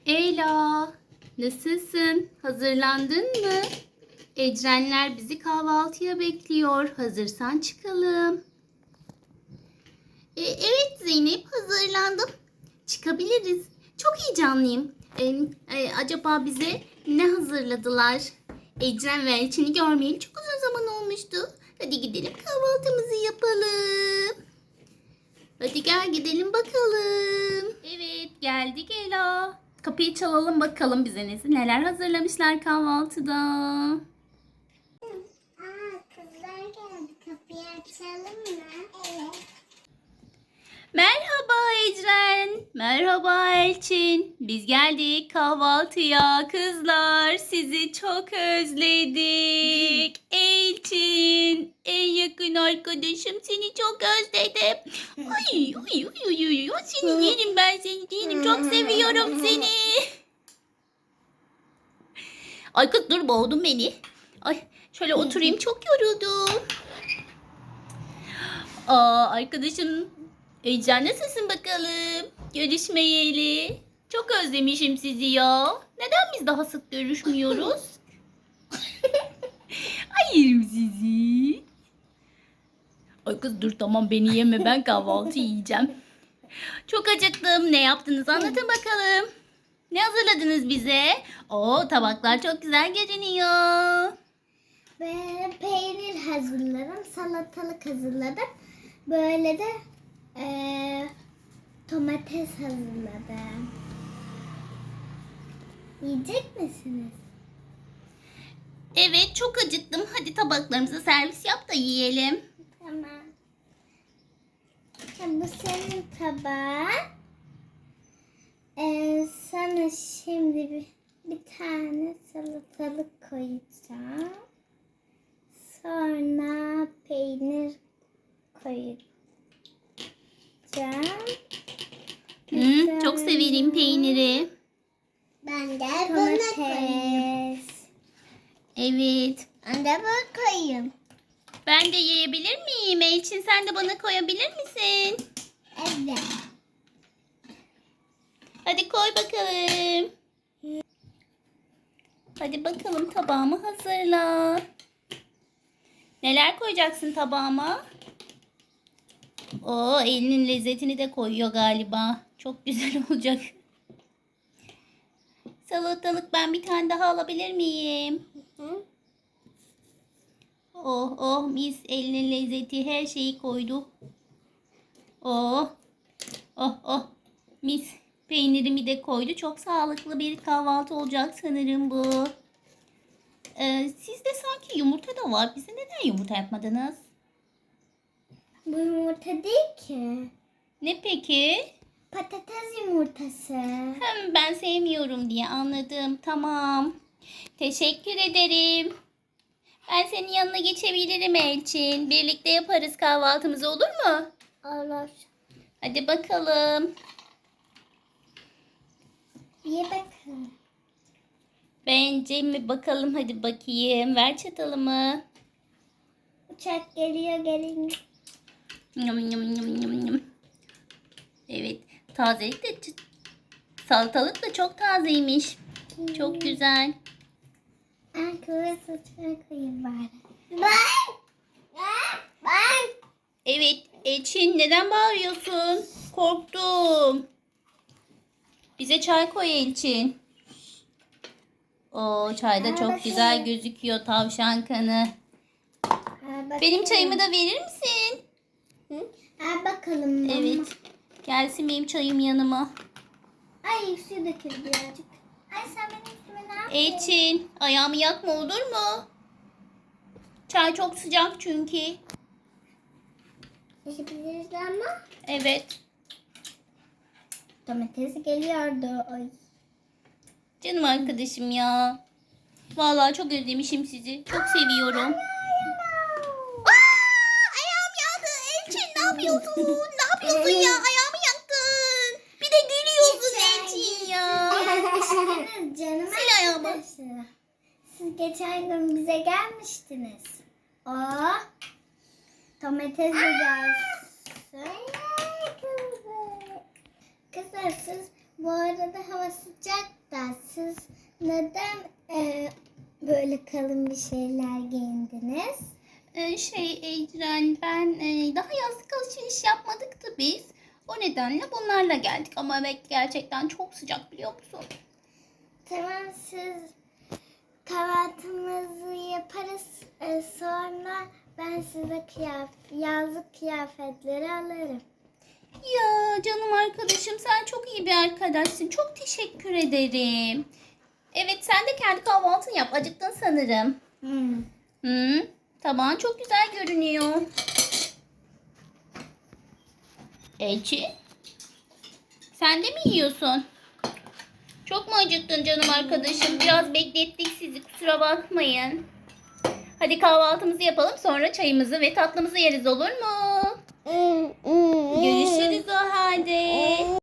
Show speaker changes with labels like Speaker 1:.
Speaker 1: Ela, nasılsın? Hazırlandın mı? Ecrenler bizi kahvaltıya bekliyor. Hazırsan çıkalım. Evet Zeynep, hazırlandım. Çıkabiliriz. Çok heyecanlıyım. Acaba bize ne hazırladılar? Ecren ve Elçin'i görmeyeli çok uzun zaman olmuştu. Hadi gidelim kahvaltımızı yapalım. Hadi gel gidelim bakalım. Evet geldik Ela. Kapıyı çalalım bakalım bize neler hazırlamışlar kahvaltıda.
Speaker 2: Kızlar geldi. Kapıyı açalım mı? Evet.
Speaker 1: Merhaba Ecren. Merhaba Elçin. Biz geldik kahvaltıya kızlar. Sizi çok özledik. Elçin, en yakın arkadaşım, seni çok özledim. Ay ay ay ay ay. Seni yerim, ben seni yerim. Çok seviyorum seni. Ay kız dur, boğdun beni. Ay şöyle oturayım, çok yoruldum. Arkadaşım Ecren, nasılsın bakalım? Görüşmeyeli. Çok özlemişim sizi ya. Neden biz daha sık görüşmüyoruz? Ay yerim sizi. Ay kız dur, tamam beni yeme, ben kahvaltı yiyeceğim. Çok acıktım. Ne yaptınız anlatın bakalım. Ne hazırladınız bize? Oo, tabaklar çok güzel görünüyor.
Speaker 2: Ben peynir hazırladım. Salatalık hazırladım. Böyle de domates hazırladım. Yiyecek misiniz?
Speaker 1: Evet, çok acıktım. Hadi tabaklarımıza servis yap da yiyelim.
Speaker 2: Tamam. Bu senin tabağın. Sana şimdi bir tane salatalık koyacağım. Sonra peynir koyacağım.
Speaker 1: Çok severim peyniri.
Speaker 2: Ben de bunu koyayım.
Speaker 1: Evet.
Speaker 2: Ben de bunu koyayım.
Speaker 1: Ben de yiyebilir miyim Elçin? Sen de bana koyabilir misin?
Speaker 2: Evet.
Speaker 1: Hadi koy bakalım. Hadi bakalım, tabağımı hazırla. Neler koyacaksın tabağıma? Oo, elinin lezzetini de koyuyor galiba. Çok güzel olacak. Salatalık ben bir tane daha alabilir miyim?
Speaker 2: Hı?
Speaker 1: Oh oh, mis, elinin lezzeti, her şeyi koydu. Oh oh oh, mis, peynirimi de koydu. Çok sağlıklı bir kahvaltı olacak sanırım bu. Sizde sanki yumurta da var. Bize neden yumurta yapmadınız?
Speaker 2: Bu yumurta değil ki.
Speaker 1: Ne peki?
Speaker 2: Patates yumurtası.
Speaker 1: Ben sevmiyorum diye anladım. Tamam. Teşekkür ederim. Ben senin yanına geçebilirim Elçin. Birlikte yaparız kahvaltımızı, olur mu?
Speaker 2: Olur.
Speaker 1: Hadi bakalım.
Speaker 2: Ye bakalım.
Speaker 1: Bence mi bakalım, hadi bakayım. Ver çatalımı.
Speaker 2: Uçak geliyor gelin.
Speaker 1: Yum yum yum yum yum. Evet. Tazelik de salatalık da çok tazeymiş. Çok güzel.
Speaker 2: Ben kıvır saçına koyayım bari. Ben.
Speaker 1: Evet. Elçin, neden bağırıyorsun? Korktum. Bize çay koy Elçin. O çay da çok güzel gözüküyor, tavşan kanı. Benim çayımı da verir misin?
Speaker 2: Al bakalım. Mama.
Speaker 1: Evet. Gelsin benim çayım yanıma.
Speaker 2: Ay su dökül birazcık. Ay sen benim üstüme ne yaptın?
Speaker 1: Elçin, ayağımı yakma, olur mu? Çay çok sıcak çünkü.
Speaker 2: Yapabiliriz ama.
Speaker 1: Evet.
Speaker 2: Domates geliyordu. Ay.
Speaker 1: Canım arkadaşım ya. Vallahi çok özlemişim sizi. Çok seviyorum. Ayağım yandı. Elçin, ne yapıyorsun? Ne yapıyorsun ya? Ayağımı yaktın. Bir de gülüyorsun Elçin ya.
Speaker 2: Canım
Speaker 1: Sil ayağımı.
Speaker 2: arkadaşlar. Siz geçen gün bize gelmiştiniz. Aa, domates de gelsin. Kızlar siz bu arada hava sıcak da siz neden böyle kalın bir şeyler giyindiniz?
Speaker 1: Ecren, ben daha yazlık alışveriş yapmadık da biz. O nedenle bunlarla geldik. Ama evet, gerçekten çok sıcak, biliyor musun?
Speaker 2: Tamam, siz kahvaltımızı yaparız. Sonra ben size yazlık kıyafetleri alırım.
Speaker 1: Ya canım arkadaşım, sen çok iyi bir arkadaşsın. Çok teşekkür ederim. Evet, sen de kendi kahvaltını yap. Acıktın sanırım. Tamam, çok güzel görünüyor. Elçi, sen de mi yiyorsun? Çok mu acıktın canım arkadaşım? Biraz beklettik sizi, kusura bakmayın. Hadi kahvaltımızı yapalım, sonra çayımızı ve tatlımızı yeriz, olur mu? Görüşürüz o halde.